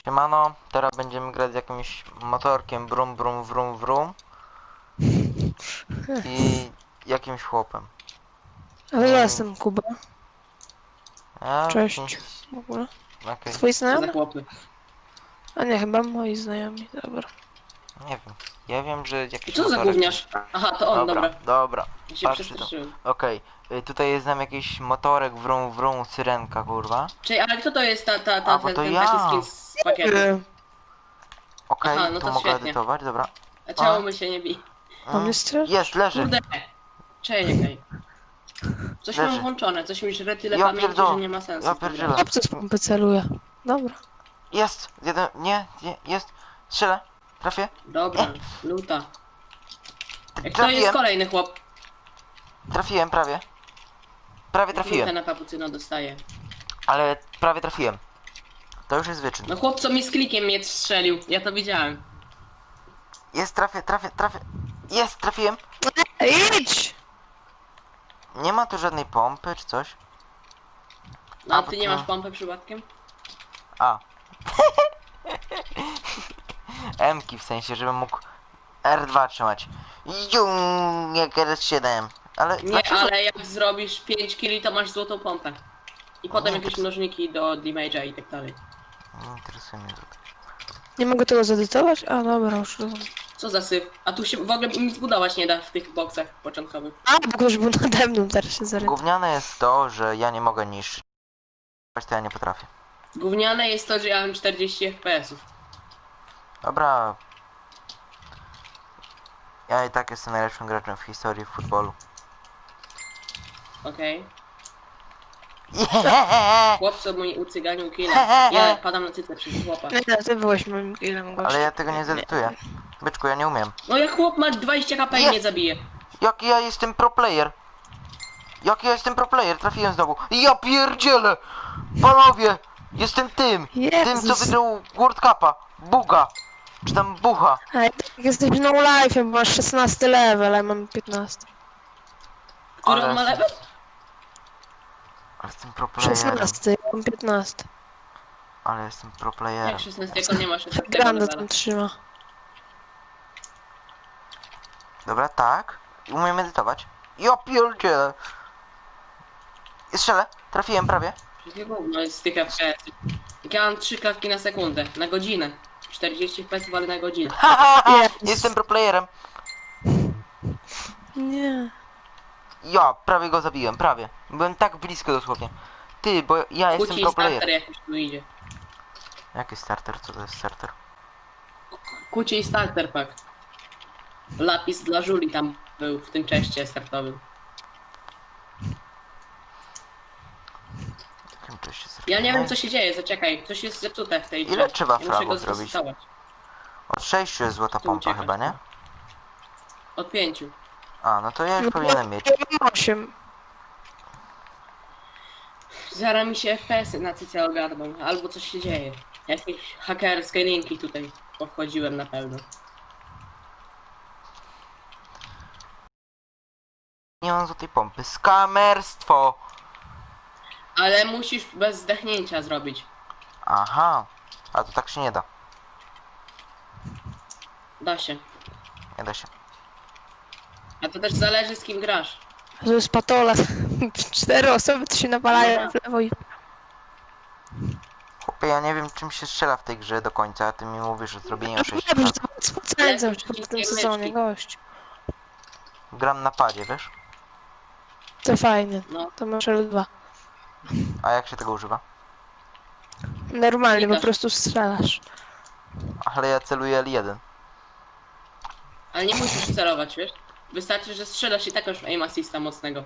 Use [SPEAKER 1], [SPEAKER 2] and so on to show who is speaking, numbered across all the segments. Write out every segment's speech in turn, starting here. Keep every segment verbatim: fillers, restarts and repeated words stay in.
[SPEAKER 1] Siemano, teraz będziemy grać z jakimś motorkiem brum brum wrum wrum i jakimś chłopem.
[SPEAKER 2] Ale ja
[SPEAKER 1] Mm,
[SPEAKER 2] jestem Kuba.
[SPEAKER 1] A,
[SPEAKER 2] Cześć.
[SPEAKER 1] pięć...
[SPEAKER 2] W ogóle.
[SPEAKER 1] Okej,
[SPEAKER 2] Twoi
[SPEAKER 3] Co za
[SPEAKER 2] znajomi?
[SPEAKER 3] chłopy?
[SPEAKER 2] A nie, chyba moi znajomi, dobra.
[SPEAKER 1] nie wiem. Ja wiem, że jakiś
[SPEAKER 3] Co za
[SPEAKER 1] motorek...
[SPEAKER 3] gówniarz? Aha, to on,
[SPEAKER 1] Dobra,
[SPEAKER 3] dobra.
[SPEAKER 1] dobra,
[SPEAKER 3] Ja się
[SPEAKER 1] patrzcie to.
[SPEAKER 3] przestraszyłem.
[SPEAKER 1] Okej, y, tutaj jest nam jakiś motorek wrum wrum, syrenka, kurwa.
[SPEAKER 3] Czyli, ale kto to jest ta, ta,
[SPEAKER 1] A,
[SPEAKER 3] ta,
[SPEAKER 1] bo
[SPEAKER 3] ten,
[SPEAKER 1] to
[SPEAKER 3] ten
[SPEAKER 1] ja.
[SPEAKER 3] taki skin z pakietu?
[SPEAKER 2] Yy,
[SPEAKER 1] Okej,
[SPEAKER 3] Aha, no
[SPEAKER 1] tu
[SPEAKER 3] to
[SPEAKER 1] mogę
[SPEAKER 3] świetnie.
[SPEAKER 1] edytować, dobra.
[SPEAKER 3] A czemu my się nie bij?
[SPEAKER 2] On
[SPEAKER 1] Mm,
[SPEAKER 2] jest też?
[SPEAKER 1] Jest, leży.
[SPEAKER 3] Kurde! Czekaj. Coś
[SPEAKER 1] Leży.
[SPEAKER 3] mam włączone, coś mi żre tyle
[SPEAKER 1] Ja
[SPEAKER 3] pamięci,
[SPEAKER 1] pierdolę.
[SPEAKER 3] że nie ma sensu.
[SPEAKER 1] Ja
[SPEAKER 3] w tym
[SPEAKER 1] pierdzielę.
[SPEAKER 3] grać.
[SPEAKER 2] Chłopcy z pompy celuje. Dobra.
[SPEAKER 1] Jest, jeden, nie, nie, jest. Strzelę, trafię.
[SPEAKER 3] Dobra, luta. Jak to jest
[SPEAKER 1] Trafiłem,
[SPEAKER 3] kolejny chłop?
[SPEAKER 1] trafiłem prawie. Prawie
[SPEAKER 3] Lutę
[SPEAKER 1] trafiłem,
[SPEAKER 3] na kapucyno dostaje.
[SPEAKER 1] ale prawie trafiłem. To już jest wyczyn.
[SPEAKER 3] No chłop co mi z klikiem mnie strzelił, ja to widziałem.
[SPEAKER 1] Jest, trafię, trafię, trafię. Jest, trafiłem.
[SPEAKER 2] Idź!
[SPEAKER 1] Nie ma tu żadnej pompy czy coś.
[SPEAKER 3] No
[SPEAKER 1] A,
[SPEAKER 3] a
[SPEAKER 1] bo
[SPEAKER 3] ty nie
[SPEAKER 1] to-
[SPEAKER 3] masz pompy przypadkiem?
[SPEAKER 1] A. M-ki w sensie, żebym mógł R dwa trzymać. Jum, jak R siedem. Ale
[SPEAKER 3] Nie,
[SPEAKER 1] dlaczego?
[SPEAKER 3] ale jak zrobisz pięć killi, to masz złotą pompę. I potem
[SPEAKER 1] Nie,
[SPEAKER 3] jakieś
[SPEAKER 1] to-
[SPEAKER 3] mnożniki do damage'a i tak dalej.
[SPEAKER 1] Nie interesuje mnie to.
[SPEAKER 2] Nie mogę tego zedytować? A dobra, już rozumiem.
[SPEAKER 3] Co za syf? A tu się w ogóle nic budować nie da w tych boksach początkowych.
[SPEAKER 2] A, bo ktoś był nade mną, teraz się zarytował.
[SPEAKER 1] Gówniane jest to, że ja nie mogę niszczyć. To ja nie potrafię.
[SPEAKER 3] Gówniane jest to, że ja mam czterdzieści F P S-ów.
[SPEAKER 1] Dobra. Ja i tak jestem najlepszym graczem w historii w futbolu.
[SPEAKER 3] Okej?
[SPEAKER 1] Yeah!
[SPEAKER 3] Chłopco mój ucyganił killa. Ja padam na cycę przez chłopa.
[SPEAKER 2] Nie, ty byłeś moim killem, gościu.
[SPEAKER 1] Ale ja tego nie zedytuję. Byczku, ja nie umiem.
[SPEAKER 3] No jak chłop ma dwadzieścia K P i
[SPEAKER 1] Jest!
[SPEAKER 3] mnie zabije.
[SPEAKER 1] Jaki ja jestem pro player. Jaki ja jestem pro player, trafiłem znowu. Ja pierdzielę! Panowie! Jestem tym! Tym, co
[SPEAKER 2] Jezus.
[SPEAKER 1] wygrał World Cupa. Buga. Czy tam Bucha.
[SPEAKER 2] A jak jesteś no life, bo masz szesnasty level, a ja mam piętnasty.
[SPEAKER 3] Który
[SPEAKER 1] Ale
[SPEAKER 3] on ma
[SPEAKER 1] jestem-
[SPEAKER 3] level?
[SPEAKER 1] Ale jestem pro playerem.
[SPEAKER 2] szesnasty, ja mam piętnasty.
[SPEAKER 1] Ale jestem pro playerem.
[SPEAKER 3] Jak szesnaście, jak on nie ma szesnastego
[SPEAKER 2] Granda
[SPEAKER 3] levela.
[SPEAKER 2] tam trzyma.
[SPEAKER 1] Dobra, tak. I umiem edytować. Ja pierdzielę. I strzelę. Trafiłem prawie.
[SPEAKER 3] Jakie gówno jest z tych F P S? Jak ja mam trzy klatki na sekundę, na godzinę. czterdzieści F P S ale na godzinę.
[SPEAKER 1] Ha, ha, ha.
[SPEAKER 2] Jest.
[SPEAKER 1] Jestem pro playerem.
[SPEAKER 2] Nie.
[SPEAKER 1] Ja prawie go zabiłem, prawie. Byłem tak blisko dosłownie. Ty, bo ja jestem
[SPEAKER 3] Kuci
[SPEAKER 1] pro
[SPEAKER 3] starter
[SPEAKER 1] player.
[SPEAKER 3] jakiś tu idzie.
[SPEAKER 1] Jaki starter? Co to jest starter?
[SPEAKER 3] Kuci starter pack. Lapis dla żuli tam był w tym czeście startowym.
[SPEAKER 1] Jakim to się
[SPEAKER 3] Ja nie
[SPEAKER 1] zrobi?
[SPEAKER 3] wiem co się dzieje, zaczekaj, coś jest zepsute w tej grze.
[SPEAKER 1] Ile trzeba
[SPEAKER 3] ja muszę go
[SPEAKER 1] fragów zrobić?
[SPEAKER 3] zresetować.
[SPEAKER 1] Od sześciu jest złota
[SPEAKER 3] Tu
[SPEAKER 1] pompa
[SPEAKER 3] uciekać.
[SPEAKER 1] chyba, nie?
[SPEAKER 3] Od pięciu.
[SPEAKER 1] A, no to ja już powinienem mieć.
[SPEAKER 2] Ja mam osiem.
[SPEAKER 3] Zaraz mi się F P S-y na cyce ogarną, albo coś się dzieje. Jakieś hakerskie linki tutaj powchodziłem na pewno.
[SPEAKER 1] Nie mam złotej pompy. Skamerstwo!
[SPEAKER 3] Ale musisz bez zdechnięcia zrobić.
[SPEAKER 1] Aha. A to tak się nie da.
[SPEAKER 3] Da się.
[SPEAKER 1] Nie da się.
[SPEAKER 3] A to też zależy z kim grasz.
[SPEAKER 2] To jest patola. Cztery osoby to się nawalają w lewo i...
[SPEAKER 1] Chłopie, ja nie wiem czym się strzela w tej grze do końca, a ty mi mówisz, że zrobienie sześć
[SPEAKER 2] Dobrze,
[SPEAKER 1] fragów.
[SPEAKER 2] to spocędzam
[SPEAKER 3] Lepiej
[SPEAKER 2] po tym
[SPEAKER 3] wszystkie
[SPEAKER 2] sezonie,
[SPEAKER 3] meczki.
[SPEAKER 2] gość.
[SPEAKER 1] Gram na padzie, wiesz?
[SPEAKER 2] To fajnie.
[SPEAKER 3] No.
[SPEAKER 2] To masz L dwa.
[SPEAKER 1] A jak się tego używa?
[SPEAKER 2] Normalnie, po
[SPEAKER 3] Klikasz.
[SPEAKER 2] prostu strzelasz.
[SPEAKER 1] Ale ja celuję L jeden.
[SPEAKER 3] Ale nie musisz celować, wiesz? Wystarczy, że strzelasz i tak już aim assista mocnego.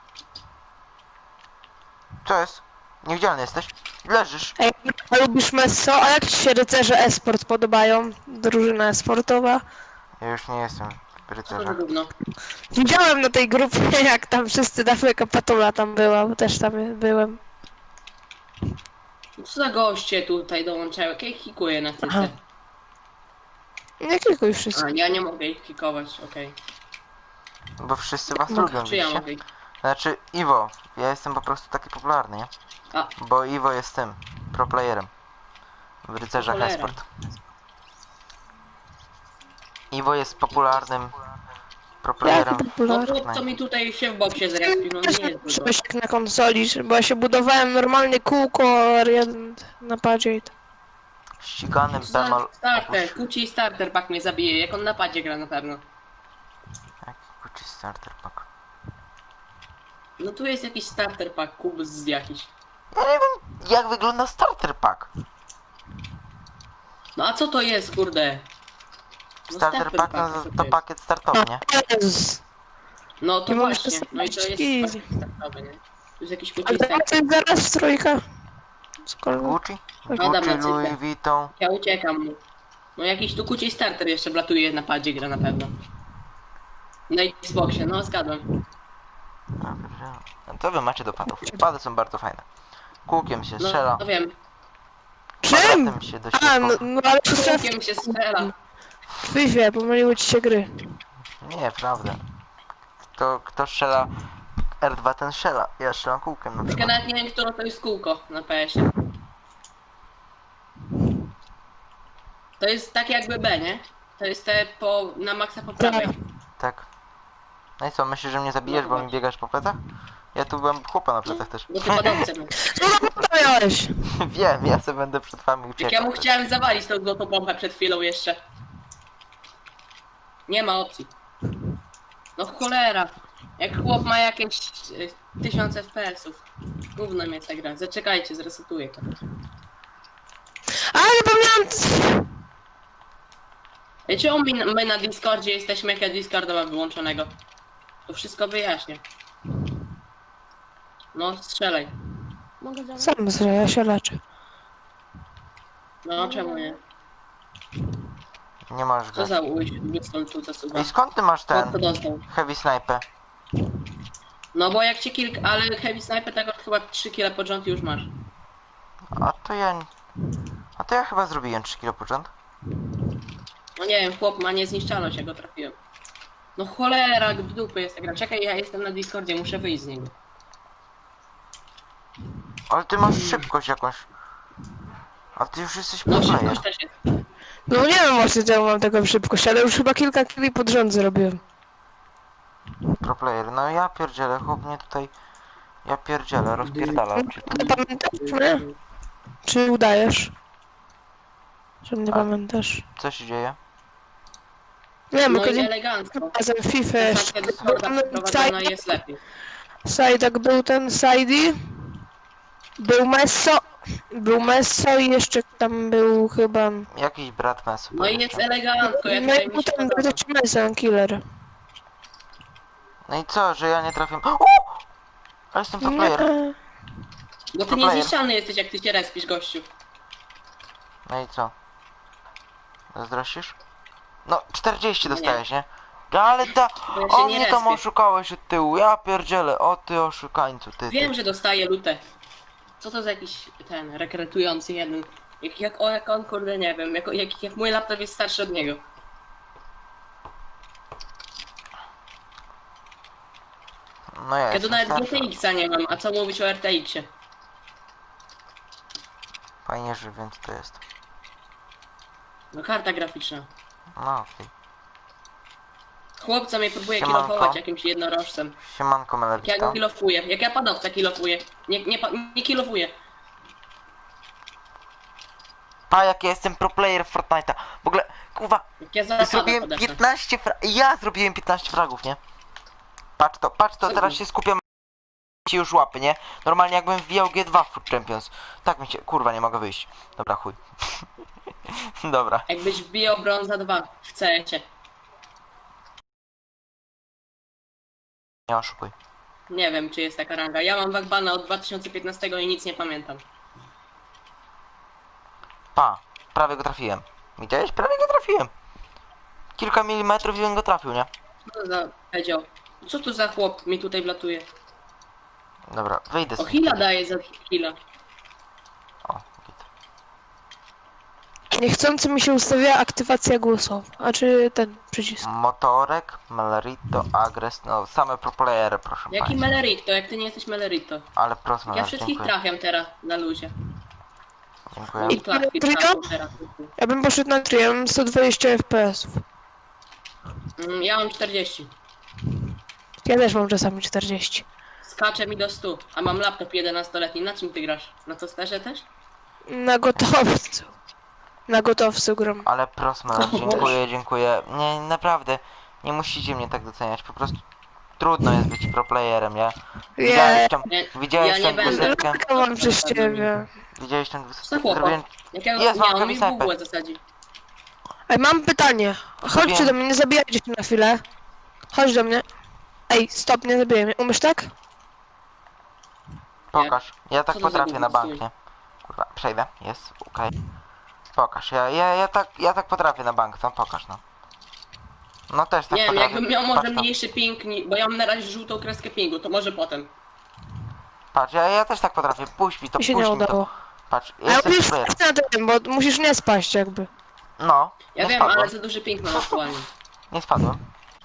[SPEAKER 1] Co jest? Niewidzialny jesteś? Leżysz.
[SPEAKER 2] Ej, a lubisz Messo? A jak ci się rycerze e-sport podobają? Drużyna e-sportowa?
[SPEAKER 1] Ja już nie jestem w
[SPEAKER 3] Co to za
[SPEAKER 1] rycerzach.
[SPEAKER 3] gówno?
[SPEAKER 2] Widziałem na tej grupie, jak tam wszyscy, tam jaka patula tam była, bo też tam byłem.
[SPEAKER 3] Co za goście tutaj dołączają? Jak ja ich hikuję na
[SPEAKER 2] Aha.
[SPEAKER 3] cyce?
[SPEAKER 2] Nie klikuj wszystko.
[SPEAKER 3] A, ja nie mogę ich hikować, okej.
[SPEAKER 1] Bo wszyscy was
[SPEAKER 2] Mogę.
[SPEAKER 1] lubią,
[SPEAKER 3] Czy ja
[SPEAKER 1] widzicie?
[SPEAKER 3] mogę ich...
[SPEAKER 1] Znaczy, Iwo. Ja jestem po prostu taki popularny, nie?
[SPEAKER 3] A.
[SPEAKER 1] Bo Iwo jest tym, pro playerem. W rycerzach
[SPEAKER 3] Cholera.
[SPEAKER 1] esport. Iwo jest popularnym proplayerem.
[SPEAKER 2] Jaki
[SPEAKER 3] No
[SPEAKER 2] popularny?
[SPEAKER 3] chłop, co mi tutaj się w boksie zrespił, no nie jest dużo.
[SPEAKER 2] Coś jak na konsoli, bo ja się budowałem normalnie kółko jeden na padzie i to.
[SPEAKER 1] Ściganym
[SPEAKER 3] Za
[SPEAKER 1] Pemal.
[SPEAKER 3] starter, Kuci starter pack mnie zabije, jak on na padzie gra na pewno.
[SPEAKER 1] Jaki kuci starter pack?
[SPEAKER 3] No tu jest jakiś starter pack, kubus z jakiś.
[SPEAKER 1] Ja nie wiem jak wygląda starter pack.
[SPEAKER 3] No a co to jest, kurde? No
[SPEAKER 1] Starter pack no,
[SPEAKER 3] co
[SPEAKER 1] to
[SPEAKER 3] jest?
[SPEAKER 1] pakiet startowy, nie?
[SPEAKER 2] Jezus.
[SPEAKER 3] No to
[SPEAKER 2] Nie możesz
[SPEAKER 3] właśnie, no i to jest
[SPEAKER 2] easy.
[SPEAKER 3] pakiet startowy, nie? Tu jest jakiś
[SPEAKER 2] A
[SPEAKER 3] Kuci
[SPEAKER 2] to
[SPEAKER 3] starter.
[SPEAKER 2] jest zaraz trójka. Skoro...
[SPEAKER 1] Gucci?
[SPEAKER 3] Adam
[SPEAKER 1] Gucci,
[SPEAKER 3] na
[SPEAKER 1] Louis
[SPEAKER 3] cyfrę.
[SPEAKER 1] Vuitton.
[SPEAKER 3] Ja uciekam mu. No jakiś tu Kuci starter jeszcze blatuje na padzie gra na pewno. Na Xboxie, no zgadłem.
[SPEAKER 1] No to wy macie do padów. Pady są bardzo fajne. Kółkiem się
[SPEAKER 3] No,
[SPEAKER 1] strzela.
[SPEAKER 3] no wiem.
[SPEAKER 2] Czym?
[SPEAKER 1] Kwadratem się
[SPEAKER 2] A, no,
[SPEAKER 1] dośrodkowa.
[SPEAKER 2] no ale to trzeba
[SPEAKER 3] Kółkiem się strzela.
[SPEAKER 2] w FIFA, pomyliły ci się gry.
[SPEAKER 1] Nie, prawda. Kto, kto strzela R dwa, ten strzela. Ja strzelam kółkiem na
[SPEAKER 3] Tylko
[SPEAKER 1] przykład.
[SPEAKER 3] nawet nie wiem, które to jest kółko na P S ie. To jest tak jakby B, nie? To jest te po, na maksa po prawej.
[SPEAKER 1] Tak. No i co, myślisz, że mnie zabijesz,
[SPEAKER 3] No
[SPEAKER 1] bo mi
[SPEAKER 3] właśnie.
[SPEAKER 1] biegasz po plecach? Ja tu byłem chłopa na plecach też.
[SPEAKER 3] Bo ty padowce masz.
[SPEAKER 2] Co to miałeś?
[SPEAKER 1] Wiem, ja sobie będę przed wami
[SPEAKER 3] Jak ja
[SPEAKER 1] uciekał.
[SPEAKER 3] mu chciałem zawalić tą złotą pompę przed chwilą jeszcze. Nie ma opcji. No cholera. Jak chłop ma jakieś y, tysiąc F P S ów. Gówno mnie ta gra. Zaczekajcie, zresetuję to.
[SPEAKER 2] A, zapomniałam!
[SPEAKER 3] Wiecie, my, my na Discordzie jesteśmy, jak ja Discorda mam wyłączonego. To wszystko wyjaśnię. No, strzelaj. Mogę zabrać?
[SPEAKER 2] Sam zre, ja się leczę.
[SPEAKER 3] No, czemu nie?
[SPEAKER 1] Nie możesz
[SPEAKER 3] Co
[SPEAKER 1] grać.
[SPEAKER 3] za Winston tu zasuwa?
[SPEAKER 1] I skąd ty masz
[SPEAKER 3] Chłop to
[SPEAKER 1] ten
[SPEAKER 3] dostał.
[SPEAKER 1] heavy sniper?
[SPEAKER 3] No bo jak cię kilka, ale Heavy Sniper tego chyba trzy kile pod rząd już masz.
[SPEAKER 1] A to ja... A to ja chyba zrobiłem trzy kilo pod rząd.
[SPEAKER 3] No nie wiem, chłop ma niezniszczalność, ja go trafiłem. No cholera, w dupy jest ta gra. Czekaj, ja jestem na Discordzie, muszę wyjść z niego.
[SPEAKER 1] Ale ty masz szybkość jakąś. A ty już jesteś pro
[SPEAKER 3] No
[SPEAKER 1] player.
[SPEAKER 3] szybkość też jest.
[SPEAKER 2] No nie wiem właśnie czemu mam taką szybkość, ale już chyba kilka kili pod rząd zrobiłem.
[SPEAKER 1] Pro player. No ja pierdzielę, chłop mnie tutaj... Ja pierdzielę, rozpierdala oczy.
[SPEAKER 2] Nie pamiętasz mnie? Czy udajesz? Że mnie
[SPEAKER 1] A-
[SPEAKER 2] pamiętasz?
[SPEAKER 1] Co się dzieje?
[SPEAKER 2] Nie wiem,
[SPEAKER 3] No
[SPEAKER 2] bo
[SPEAKER 3] i
[SPEAKER 2] kiedyś
[SPEAKER 3] elegancko.
[SPEAKER 2] razem w FIFA jeszcze.
[SPEAKER 3] Zasadzka Discorda przeprowadzona jest lepiej.
[SPEAKER 2] Sajdak był ten Sajdi. Był Messo. Był Messo i jeszcze tam był chyba...
[SPEAKER 1] Jakiś brat mes.
[SPEAKER 3] No i jest elegancko, jak
[SPEAKER 2] No
[SPEAKER 3] tutaj
[SPEAKER 2] i
[SPEAKER 3] mi się
[SPEAKER 2] potem
[SPEAKER 3] podoba.
[SPEAKER 2] był Messo, killer.
[SPEAKER 1] No i co, że ja nie trafię... O! Ale jestem pro player.
[SPEAKER 2] Nie.
[SPEAKER 3] Bo ty
[SPEAKER 1] Pro player.
[SPEAKER 3] niezniszczalny jesteś, jak ty się respisz, gościu.
[SPEAKER 1] No i co? Zazdrościsz? No, czterdzieści
[SPEAKER 3] Nie.
[SPEAKER 1] dostajesz, nie? No ale ta...
[SPEAKER 3] Bo ja się
[SPEAKER 1] O
[SPEAKER 3] nie
[SPEAKER 1] mnie tam
[SPEAKER 3] respię.
[SPEAKER 1] oszukałeś od tyłu, ja pierdzielę, o ty oszukańcu, ty, ty.
[SPEAKER 3] Wiem, że dostaję lutę. Co to za jakiś ten rekrutujący jeden? Jak, jak, o, jak on, kurde, nie wiem, jak, jak, jak mój laptop jest starszy od niego.
[SPEAKER 1] No ja
[SPEAKER 3] Ja tu
[SPEAKER 1] jestem
[SPEAKER 3] nawet
[SPEAKER 1] starszy.
[SPEAKER 3] G T X a nie mam, a co mówić o R T X-ie?
[SPEAKER 1] Fajnie, że więc to jest.
[SPEAKER 3] No karta graficzna.
[SPEAKER 1] No okej.
[SPEAKER 3] Chłopca mnie próbuje
[SPEAKER 1] Siemanko.
[SPEAKER 3] kilofować jakimś jednorożcem.
[SPEAKER 1] Siemanko
[SPEAKER 3] Jak ja
[SPEAKER 1] Melerita.
[SPEAKER 3] go kilofuję, jak ja padowca kilofuję. Nie, nie, pa- nie kilofuję.
[SPEAKER 1] Pa, jak ja jestem pro player w Fortnite'a. W ogóle, kurwa,
[SPEAKER 3] Jak ja zapadam
[SPEAKER 1] zrobiłem
[SPEAKER 3] podeszłem.
[SPEAKER 1] piętnaście fra... Ja zrobiłem piętnaście fragów, nie? Patrz to, patrz to,
[SPEAKER 3] Co
[SPEAKER 1] teraz
[SPEAKER 3] ty?
[SPEAKER 1] się skupiam ci już łapy, nie? Normalnie jakbym wbijał G dwa w Food Champions. Tak mi się, kurwa, nie mogę wyjść. Dobra, chuj. Dobra.
[SPEAKER 3] Jakbyś wbijał brąza dwa w C S-ie.
[SPEAKER 1] Nie oszukuj.
[SPEAKER 3] Nie wiem, czy jest taka ranga. Ja mam Wagbana od dwa tysiące piętnastego i nic nie pamiętam.
[SPEAKER 1] Pa, prawie go trafiłem. Widziałeś? Prawie go trafiłem. Kilka milimetrów i bym go trafił, nie?
[SPEAKER 3] Co to za powiedział? Co tu za chłop mi tutaj wlatuje?
[SPEAKER 1] Dobra, wyjdę
[SPEAKER 3] O,
[SPEAKER 1] z...
[SPEAKER 3] Hila daje za Hila.
[SPEAKER 1] O, git.
[SPEAKER 2] Niechcący mi się ustawiła aktywacja głosowa. A czy ten przycisk?
[SPEAKER 1] Motorek, Melerito, Agres, no same pro playery, proszę
[SPEAKER 3] Jaki
[SPEAKER 1] państwa.
[SPEAKER 3] Melerito, jak ty nie jesteś Melerito?
[SPEAKER 1] Ale proszę,
[SPEAKER 3] Ja
[SPEAKER 1] Meler,
[SPEAKER 3] wszystkich
[SPEAKER 1] dziękuję.
[SPEAKER 3] trafiam teraz na luzie.
[SPEAKER 1] Dziękuję.
[SPEAKER 2] I
[SPEAKER 3] Klatki
[SPEAKER 2] trio?
[SPEAKER 3] trzeba teraz.
[SPEAKER 2] Ja bym poszedł na trio, ja mam sto dwadzieścia F P S-ów.
[SPEAKER 3] Mm, Ja mam czterdzieści.
[SPEAKER 2] Ja też mam czasami czterdzieści.
[SPEAKER 3] Skacze mi do stu, a mam laptop jedenastoletni. Na czym ty grasz? Na to sterze też?
[SPEAKER 2] Na gotowcu. Na gotowcu gram.
[SPEAKER 1] Ale prosmer, dziękuję, dziękuję. Nie, naprawdę, nie musicie mnie tak doceniać, po prostu trudno jest być pro playerem, nie? Widziałeś tam,
[SPEAKER 3] Nie,
[SPEAKER 1] widziałeś
[SPEAKER 3] ja nie
[SPEAKER 1] tam
[SPEAKER 3] będę.
[SPEAKER 1] dwusetkę?
[SPEAKER 2] Laka mam przez ciebie.
[SPEAKER 1] Widziałeś tam
[SPEAKER 3] Co
[SPEAKER 1] dwusetkę?
[SPEAKER 3] chłopak?
[SPEAKER 1] Zrobiłem...
[SPEAKER 3] Jakiego
[SPEAKER 1] Jest,
[SPEAKER 3] nie,
[SPEAKER 1] mam
[SPEAKER 3] on mi w
[SPEAKER 1] snajper.
[SPEAKER 3] bułę zasadzi.
[SPEAKER 2] Ej, mam pytanie. Chodźcie
[SPEAKER 1] Wiem.
[SPEAKER 2] do mnie, nie zabijajcie się na chwilę. Chodź do mnie. Ej, stop, nie zabijaj mnie. Umiesz tak?
[SPEAKER 1] Pokaż, ja tak
[SPEAKER 3] Co to za
[SPEAKER 1] potrafię na
[SPEAKER 3] gówno
[SPEAKER 1] bank, nie? Kurwa, przejdę, jest, okej. Pokaż, ja, ja, ja tak, ja tak potrafię na bank, no pokaż, no. No też tak
[SPEAKER 3] Nie wiem,
[SPEAKER 1] potrafię.
[SPEAKER 3] jakbym miał może
[SPEAKER 1] Patrz, no.
[SPEAKER 3] mniejszy ping, ni- bo ja mam na razie żółtą kreskę pingu, to może potem.
[SPEAKER 1] Patrz, ja, ja też tak potrafię, puść mi to,
[SPEAKER 2] Mi się
[SPEAKER 1] puść
[SPEAKER 2] nie
[SPEAKER 1] mi to.
[SPEAKER 2] udało.
[SPEAKER 1] Patrz,
[SPEAKER 2] Ale
[SPEAKER 1] jestem
[SPEAKER 2] musisz
[SPEAKER 1] player.
[SPEAKER 2] stać na tym, bo musisz nie spaść jakby.
[SPEAKER 1] No,
[SPEAKER 3] Ja
[SPEAKER 1] nie
[SPEAKER 3] wiem,
[SPEAKER 1] spadłem,
[SPEAKER 3] ale za duży ping mam aktualnie.
[SPEAKER 1] nie spadłem.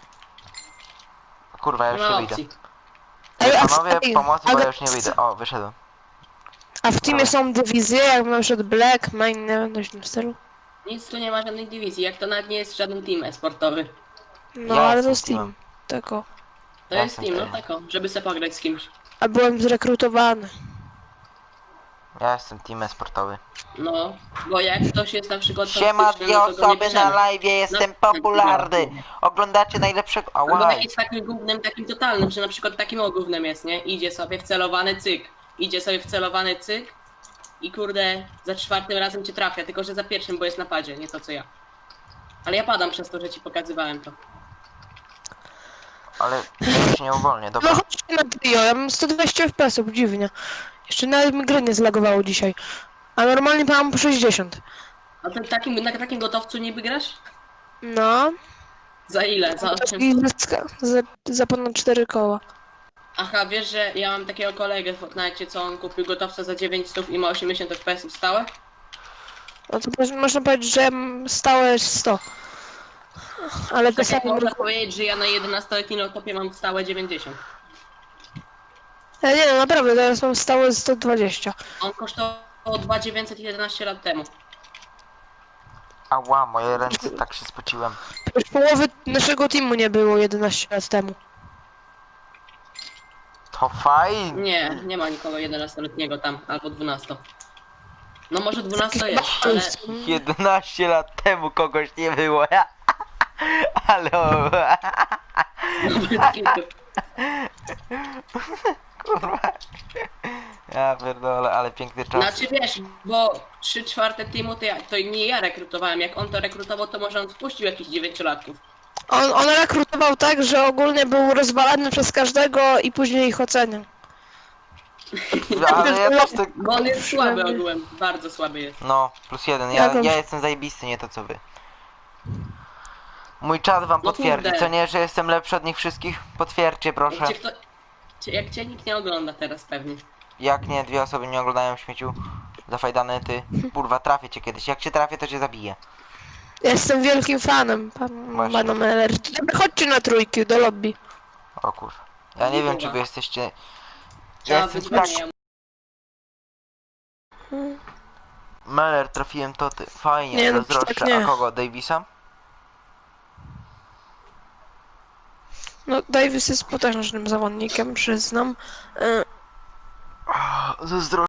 [SPEAKER 1] Kurwa, ja
[SPEAKER 3] Nie
[SPEAKER 1] już nie
[SPEAKER 3] ma
[SPEAKER 1] wyjdę.
[SPEAKER 3] opcji.
[SPEAKER 2] Ej, a w-
[SPEAKER 1] Panowie,
[SPEAKER 2] ej,
[SPEAKER 1] pomocy, bo
[SPEAKER 2] ale-
[SPEAKER 1] ja już nie wyjdę. O, wyszedłem.
[SPEAKER 2] A w teamie są dywizje, jak na przykład Black, Main, nie wiem, coś w tym stylu.
[SPEAKER 3] Nic tu nie ma żadnej dywizji, jak to nawet nie jest żaden team e-sportowy.
[SPEAKER 2] No,
[SPEAKER 1] Ja
[SPEAKER 2] ale to
[SPEAKER 1] jestem
[SPEAKER 2] jest team.
[SPEAKER 1] teamem.
[SPEAKER 2] Tako.
[SPEAKER 3] To
[SPEAKER 1] Ja
[SPEAKER 3] jest
[SPEAKER 1] jestem
[SPEAKER 3] team, no
[SPEAKER 1] teamem.
[SPEAKER 3] tako, żeby se pograć z kimś.
[SPEAKER 2] A byłem zrekrutowany.
[SPEAKER 1] Ja jestem team sportowy.
[SPEAKER 3] No, bo jak ktoś jest na przykład
[SPEAKER 1] Siema,
[SPEAKER 3] toksyczny,
[SPEAKER 1] dwie
[SPEAKER 3] no to go nie
[SPEAKER 1] osoby na
[SPEAKER 3] bierzemy.
[SPEAKER 1] live, jestem
[SPEAKER 3] No,
[SPEAKER 1] popularny. Oglądacie najlepszego...
[SPEAKER 3] Albo
[SPEAKER 1] Ała,
[SPEAKER 3] jak jest takim gównem, takim totalnym, że na przykład takim o gównem jest, nie? Idzie sobie wcelowany cyk, idzie sobie wcelowany cyk i kurde, za czwartym razem cię trafia, tylko że za pierwszym, bo jest na padzie, nie to co ja. Ale ja padam przez to, że ci pokazywałem to.
[SPEAKER 1] ale ja się nie uwolnię,
[SPEAKER 2] No
[SPEAKER 1] dobra.
[SPEAKER 2] chodźcie na trio, ja mam sto dwadzieścia F P S-ów, dziwnie. Jeszcze nawet mi gry nie zlagowało dzisiaj. A normalnie mam po sześćdziesiąt.
[SPEAKER 3] A ty takim, na takim gotowcu niby grasz?
[SPEAKER 2] No.
[SPEAKER 3] Za ile? Za osiem?
[SPEAKER 2] I za, za, za ponad cztery koła.
[SPEAKER 3] Aha, wiesz, że ja mam takiego kolegę w Fortnite, co on kupił gotowca za dziewięćset i ma osiemdziesiąt F P S stałe?
[SPEAKER 2] No to moż- można powiedzieć, że stałe stał. Ale
[SPEAKER 3] Tak jak
[SPEAKER 2] czasami...
[SPEAKER 3] można powiedzieć, że ja na jedenastoletnim laptopie mam stałe dziewięćdziesiąt.
[SPEAKER 2] Ja nie no, naprawdę, teraz mam stałe sto dwadzieścia.
[SPEAKER 3] On kosztował dwa tysiące dziewięćset jedenaście lat temu.
[SPEAKER 1] Ała, moje ręce, tak się spociłem.
[SPEAKER 2] Już połowy naszego teamu nie było jedenaście lat temu.
[SPEAKER 1] To fajnie.
[SPEAKER 3] Nie, nie ma nikogo jedenastoletniego tam, albo dwunasto. No może dwunasto jest, ale...
[SPEAKER 1] jedenaście lat temu kogoś nie było. Ale... Kurwa. Ja pierdolę, ale piękny czas.
[SPEAKER 3] Znaczy wiesz, bo trzy czwarte teamu to, ja, to nie ja rekrutowałem, jak on to rekrutował, to może on wpuścił jakichś dziewięciolatków.
[SPEAKER 2] On, on rekrutował tak, że ogólnie był rozwalany przez każdego i później ich oceniał.
[SPEAKER 1] Ale ja też tak...
[SPEAKER 3] Bo on jest słaby ogółem, bardzo słaby jest.
[SPEAKER 1] No, plus jeden. Ja,
[SPEAKER 2] Jakąś-
[SPEAKER 1] ja jestem zajebisty, nie to co wy. Mój czat wam
[SPEAKER 3] No
[SPEAKER 1] potwierdzi,
[SPEAKER 3] kurde.
[SPEAKER 1] co nie, że jestem lepszy od nich wszystkich? Potwierdźcie proszę.
[SPEAKER 3] Jak cię, kto, cię- jak cię nikt nie ogląda teraz pewnie.
[SPEAKER 1] Jak nie, dwie osoby nie oglądają śmieciu. Zafajdany ty. Kurwa, trafię cię kiedyś. Jak cię trafię, to cię zabiję.
[SPEAKER 2] Jestem wielkim fanem pan,
[SPEAKER 1] Właśnie.
[SPEAKER 2] pana Meller. Dobra, chodźcie na trójki do lobby.
[SPEAKER 1] O kurwa. Ja nie wiem, czy
[SPEAKER 3] Kurwa.
[SPEAKER 1] wy jesteście... Ja
[SPEAKER 3] Trzeba
[SPEAKER 1] jestem tak...
[SPEAKER 3] wyzwanie.
[SPEAKER 1] Meller, trafiłem to ty. Fajnie,
[SPEAKER 2] Nie, no,
[SPEAKER 1] zazdroszczę.
[SPEAKER 2] tak nie.
[SPEAKER 1] A kogo? Davisa?
[SPEAKER 2] No, Davis jest potężnym zawodnikiem, przyznam. E,
[SPEAKER 1] Zazdroszczę.